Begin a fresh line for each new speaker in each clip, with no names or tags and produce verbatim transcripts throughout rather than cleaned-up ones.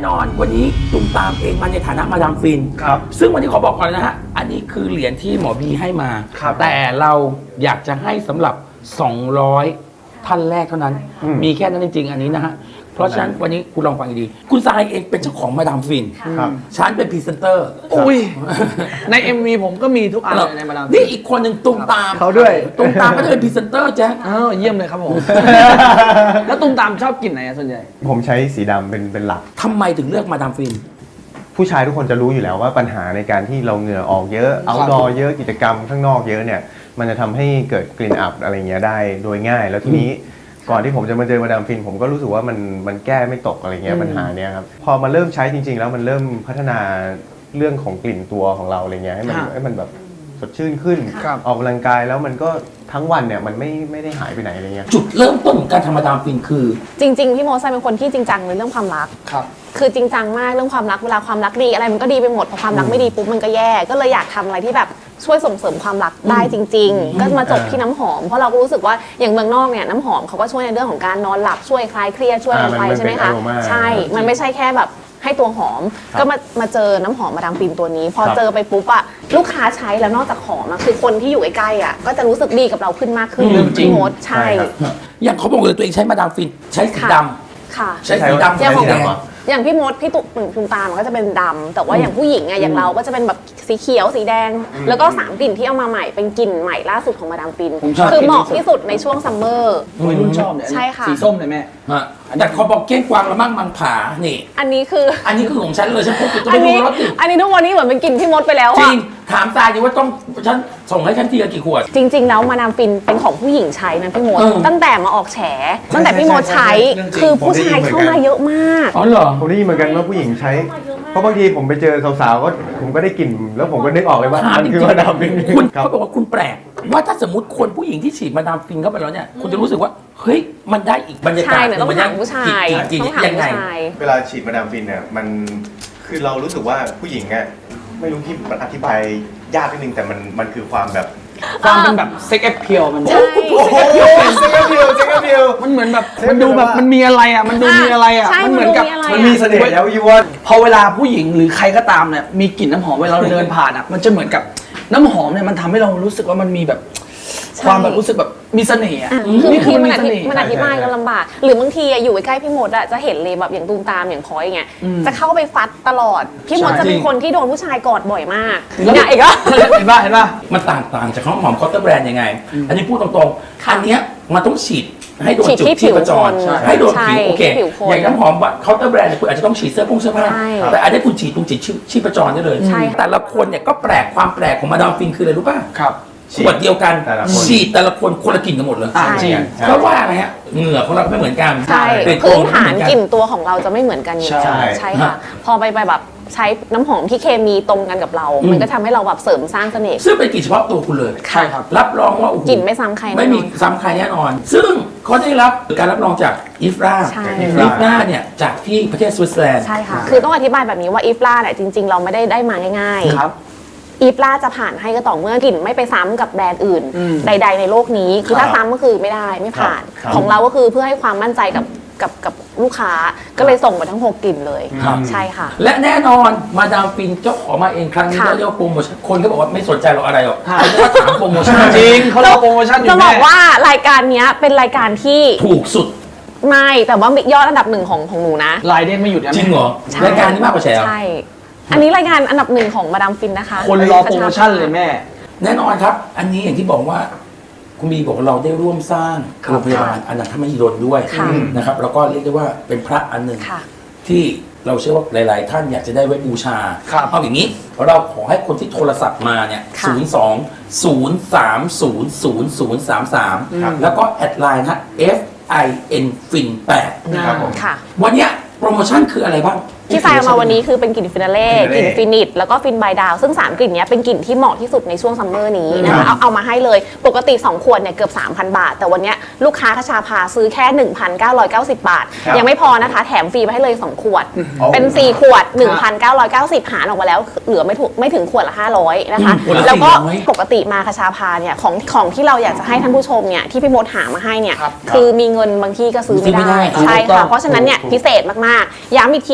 นอนวันนี้ตุ่มตามเองมาในฐานะมาดามฟินครับซึ่งวันนี้ขอบอกก่อนนะฮะอันนี้คือเหรียญที่หมอบีให้มาแต่เราอยากจะให้สำหรับสองร้อยท่านแรกเท่านั้นมีแค่นั้นจริงๆอันนี้นะฮะเพราะฉะนั้นวันนี้คุณลองฟังดีๆคุณทรายเองเป็นเจ้าของมาดามฟินฉันเป็นพรีเซนเตอร์
อุ้ยใน เอ็ม วี ผมก็มีทุกอันเลยในมาดามฟิน
นี่อีกคนหนึ่งตุ่มตาม
เขาด้วย
ตุ่มตามก็จะเป็นพรีเซนเตอร์แจ๊ค
อ้าวเยี่ยมเลยครับผมแล้วตุ่มตามชอบกลิ่นไหนส่วนใหญ่
ผมใช้สีดำเป็นเป็นหลัก
ทำไมถึงเลือกมาดามฟิน
ผู้ชายทุกคนจะรู้อยู่แล้วว่าปัญหาในการที่เราเหงื่อออกเยอะเอาท์ดอร์เยอะกิจกรรมข้างนอกเยอะเนี่ยมันจะทำให้เกิดกลิ่นอับอะไรเงี้ยได้โดยง่ายแล้วทีนี้ก่อนที่ผมจะมาเจอมาดามฟินผมก็รู้สึกว่ามันมันแก้ไม่ตกอะไรเงี้ยปัญหาเนี้ยครับพอมาเริ่มใช้จริงๆแล้วมันเริ่มพัฒนาเรื่องของกลิ่นตัวของเราอะไรเงี้ยให้มันให้มันแบบสดชื่นขึ้นออกกำลังกายแล้วมันก็ทั้งวันเนี่ยมันไม่ไม่ได้หายไปไหนอะไรเงี้ย
จุดเริ่มต้นของการทำมาดามฟินคือ
จริงๆพี่โมไซเป็นคนที่จริงจังในเรื่องความรัก
ครับ
คือจริงจังมากเรื่องความรักเวลาความรักดีอะไรมันก็ดีไปหมดพอความรักไม่ดีปุ๊บมันก็แย่ก็เลยอยากทำอะไรที่แบบช่วยส่งเสริมความรักได้จริงๆก็มาจบที่น้ำหอมเพราะเราก็รู้สึกว่าอย่างเมืองนอกเนี่ยน้ำหอมเขาก็ช่วยในเรื่องของการนอนหลับช่วยคลายเครียดช่วยอะไรไปใช่ไหมคะใช่มันไม่ใช่แค่แบบให้ตัวหอมก็มามาเจอน้ำหอมมาดามฟินตัวนี้พอเจอไปปุ๊บอะลูกค้าใช้แล้วนอกจากหอมอะคือคนที่อยู่ใกล้ๆอะก็จะรู้สึกดีกับเราขึ้นมากขึ้น
จริง
มดใช่
อย่างเขาบอกเลยตัวเองใช้มาดามฟินใช้สีดำ
ค่ะ
ใช้สีดำ
อย่างของอย่างพี่มดพี่ตุ่มตุ่มตามมันก็จะเป็นดำแต่ว่าอย่างผู้หญิงอะอย่างเราก็จะเป็นแบบสีเขียวสีแดงแล้วก็สามกลิ่นที่เอามาใหม่เป็นกลิ่นใหม่ล่าสุดของมาดามฟินคือเหมาะที่สุดในช่วงซัมเมอร์
วัยรุ่นชอบเนี่ย
ใช่ค่ะ
สีส้มเลยแม่
แต่เขาบอกเก้งกวางละมั่งมังผานี่
อันนี้คือ
อันนี้คือของฉันเลยฉันพกอยู่ตรงนี้รถติด
อันนี้ทุกวันนี้เหมือนเป็นกลิ่นพี่มดไปแล้ว
จริงถามตายดิว่าต้องฉันส่งให้ฉันทีละกี่ขวด
จริงๆแล้วมาดามฟินเป็นของผู้หญิงใช้นะพี่มดตั้งแต่มาออกแฉตั้งแต่พี่มดใช้คือผู้ชายเข้ามาเยอะมาก
อ๋อเหรอ
ผมได้ยินเหมือนกันว่าผู้หญิงใช้เพราะบางทีผมไปเจอสาวๆก็ผมก็ได้กลิ่นแล้วผมก็นึกออกเลยว่ามันคือมาดามฟิน
คุณเขาบอกว่าคุณแปลกว่าถ้าสมมติคนผู้หญิงที่ฉีดมาดามฟินเข้าไปแล้วเนี่ยคุณจะรู้สึกว่าเฮ้ยมันได้อีกบรรยากาศ
ต้องถามผู้ชาย
ต้องถามผู้ชาย
เวลาฉีดมาดามฟินเนี่ยมันคือเรารู้สึกว่าผู้หญิงอ่ะไม่รู้ที่มันอธิบายยากนิดนึงแต่มันมันคือความแบบ
ความเป็นแบบเซ็กแอปเพียวมัน
โอ้โหเซ็กแอปเพียวเซ็กแอปเพียว
มันเหมือนแบบมันดูแบบมันมีอะไรอ่ะมันดูมีอะไรอ่ะ
มัน
เหมือนกับ
มันมีเสน่ห์แล้วยูว่า
พอเวลาผู้หญิงหรือใครก็ตามเนี่ยมีกลิ่นน้ำหอมเวลาเราเดินผ่านอ่ะมันจะเหมือนกับน้ำหอมเนี่ยมันทำให้เรารู้สึกว่ามันมีแบบความแบบรู้สึกแบบมีเสน่ห์
คือนี่คือมันอธิมันอธิบายก็ลำบากหรือบางทีอยู่ใกล้พี่มดอะจะเห็นเลยแบบอย่างตูมตามอย่างคอยอย่างเงี้ยจะเข้าไปฟัดตลอดพี่มดจะเป็นคนที่โดนผู้ชายกอดบ่อยมากเนี่ยอีกแล้ว
เห็นป่ะเห็นป่ะ
มันต่างต่างจากข้าวหอมคอตเตอร์แบรนด์ยังไงอันนี้พูดตรงๆอันเนี้ยมันต้องฉีดให้โดนจุดที่ประจรให้โดนผิวโอเคอย่างน้ำหอมเคาน์เตอร์แบรนด์คุณอาจจะต้องฉีดเสื้อผงเสื้อผ้าแต่อันนี้คุณฉีดตรงจิตชีพจรได้เลยแต่ละคนเนี่ยก็แปลกความแปลกของมาดามฟินคืออะไรรู้ป่ะ
ครับ
ขวดเดียวกันฉีดแต่ละคนคนละกลิ่นกันหมดเลย
จริง
เพราะว่าอะไรฮะเหงื่อของเราไม่เหมือนกัน
ใช่พื้นฐานกลิ่นตัวของเราจะไม่เหมือนกันอยู่แล้วใช่ค่ะพอไปไปแบบใช้น้ำหอมที่เคมีตรงกันกับเรา มันก็ทำให้เราแบบเสริมสร้างเสน่ห์
ซึ่งเป็นกลิ่นเฉพาะตัวคุณเลย
ใช่ครับ
รับรองว่าก
ลิ่นไม่ซ้ำใคร
ไม่มีซ้ำใครแน่นอนซึ่งเขาได้รับการรับรองจากอีฟราอีฟราเนี่ยจากที่ประเทศสวิตเซอร์แลนด์
ใช่ค่ะคือต้องอธิบายแบบนี้ว่าอีฟราเนี่ยจริงๆเราไม่ได้ได้มาง่ายๆ
ครับ
อีฟล่าจะผ่านให้ก็ต่อเมื่อกลิ่นไม่ไปซ้ำกับแบรนด์อื่นใดๆในโลกนี้คือถ้าซ้ำก็คือไม่ได้ไม่ผ่านของเราก็คือเพื่อให้ความมั่นใจกับกับกับลูกค้าก็เลยส่งไปทั้งหกกลิ่นเลยใช่ค่ะ
และแน่นอนมาดามฟินเจ้าของมาเองครั้งนี้ก็เรียกว่าโปรโมชั่นคนก็บอกว่าไม่สนใจเราอะไรหรอกเขาจะถามโปรโมชั่น
จริงเขาเล่าโปรโมชั่นอยู่
จะบอกว่ารายการนี้เป็นรายการที่
ถูกสุด
ไม่แต่ว่ายอดอันดับหนึ่งของของหนูนะ
รายเด้งไม่หยุด
จริงเหรอรายการนี้มากกว่าแชร์
ใช่อันนี้รายการอันดับหนึ่งของมาดามฟินนะคะ
คนรอโปรโมชั่นเลยแม่
แน่นอนครับอันนี้อย่างที่บอกว่าคุณบีบอกว่าเราได้ร่วมสร้างโรงพยาบาลอนันทมหิดลด้วยนะครับแล้วก็เรียกได้ว่าเป็นพระอันหนึ่งที่เราเชื่อว่าหลายๆท่านอยากจะได้ไว้บูชาเอาอย่างนี้เราขอให้คนที่โทรศัพท์มาเนี่ยศูนย์ สอง ศูนย์ สาม ศูนย์ ศูนย์ ศูนย์ สาม สามแล้วก็แอดไลน์นะ เอฟ ไอ เอ็น ฟิน แปด
ค่ะ
วันนี้โปรโมชั่นคืออะไรบ้าง
ที่ใส่มาวันนี้คือเป็นกลิ่นฟินาเล่กลิ่นฟินิชแล้วก็ฟินบายดาวซึ่งสามกลิ่นนี้เป็นกลิ่นที่เหมาะที่สุดในช่วงซัมเมอร์นี้นะคะเอาเอามาให้เลยปกติสองขวดเนี่ยเกือบ สามพัน บาทแต่วันนี้ลูกค้าคชาพาซื้อแค่ หนึ่งพันเก้าร้อยเก้าสิบ บาทยังไม่พอนะคะแถมฟรีไปให้เลยสองขวดเป็นสี่ขวด หนึ่งพันเก้าร้อยเก้าสิบ หารออกมาแล้วเหลือไม่ถูกไม่ถึงขวดละห้าร้อยนะคะแล้วก็ปกติมาคชาพาเนี่ยของของที่เราอยากจะให้ท่านผู้ชมเนี่ยที่พี่มดหามาให้เนี่ยคือมีเงินบางที่ก็ซื้อไม่ได้ใช่ค่ะเพราะฉะนั้นเนี่ยพิเศษมากๆย้ำอีกทีนึงนะคะ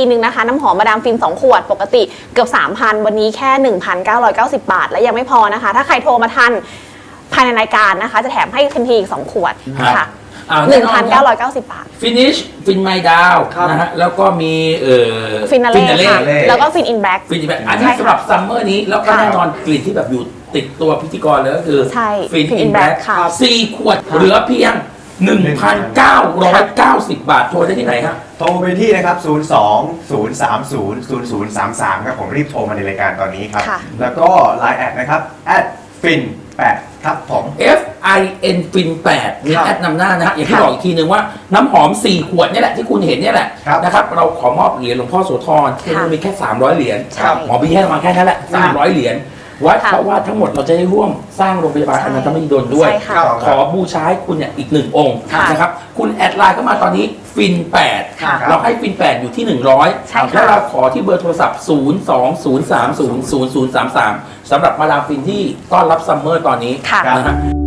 น้ำหอมมาดามฟินสองขวดปกติเกือบ สามพัน วันนี้แค่ หนึ่งพันเก้าร้อยเก้าสิบ บาทและยังไม่พอนะคะถ้าใครโทรมาทันภายในรายการนะคะจะแถมให้ทันทีอีกสองขวดค่ะ หนึ่งพันเก้าร้อยเก้าสิบ บาท
ฟินิชฟินไมดาว
ครับ
นะฮะแล้วก็มีเอ่อ
ฟินาเล่ค่ะ
Finale
แล้วก็ฟินอินแบล็ก
ฟินแบบอันนี้
ใช่ค่ะ
สำหรับซัมเมอร์นี้แล้วก็
ค่ะ
แน่นอนกลิ่นที่แบบอยู่ติดตัวพิธีกรเลยก็คือ
ใช่
ฟิน
Fin
อิน
In
แบล็
Black ค่ะ
สี่ขวดเหลือเพียง หนึ่งพันเก้าร้อยเก้าสิบ บาทโทรได้ที่ไหนครับ
โทรไปที่นะครับ ศูนย์ สอง ศูนย์ สาม ศูนย์ ศูนย์ ศูนย์ สาม สาม ครับผมรีบโทรมาในรายการตอนนี้ครับ
ค่ะ
แล้วก็ ไลน์ แอดนะครับ แอด ฟิน แปด ครับผม
F I N ฟินแปดมี
ครับ
แอดนำหน้านะฮะอย่างที่
ค่ะ
บอกอีกทีหนึ่งว่าน้ำหอม สี่ ขวดเนี่ยแหละที่คุณเห็นเนี่ยแหละ
ครับ
นะครับเราขอมอบเหรียญหลวงพ่อโสธรที่มีแค่ สามร้อย เหรียญ
ใช่
หมอพี่ให้มาแค่นั้นแหละ สามร้อย เหรียญไว้
ค่ะ
เพราะว่าทั้งหมดเราจะได้ร่วมสร้างโรงพยาบาล
ใช่
อนันตมหิดลด้วย
ใช่ค่ะ
ขอบูชาให้คุณเนี่ยอีกหนึ่งองค์
ค่ะ
นะครับคุณแอดไลน์เข้ามาตอนนี้ฟินแปด
ค่ะ
เราให้ฟินแปดอยู่ที่ หนึ่งร้อย
ใช่ค่ะ
แล้วเราขอที่เบอร์โทรศัพท์ ศูนย์ สอง ศูนย์ สาม ศูนย์ ศูนย์ ศูนย์ สาม สาม สำหรับมาดามฟินที่ต้อนรับซัมเมอร์ตอนนี้
ค่ะ
นะฮะ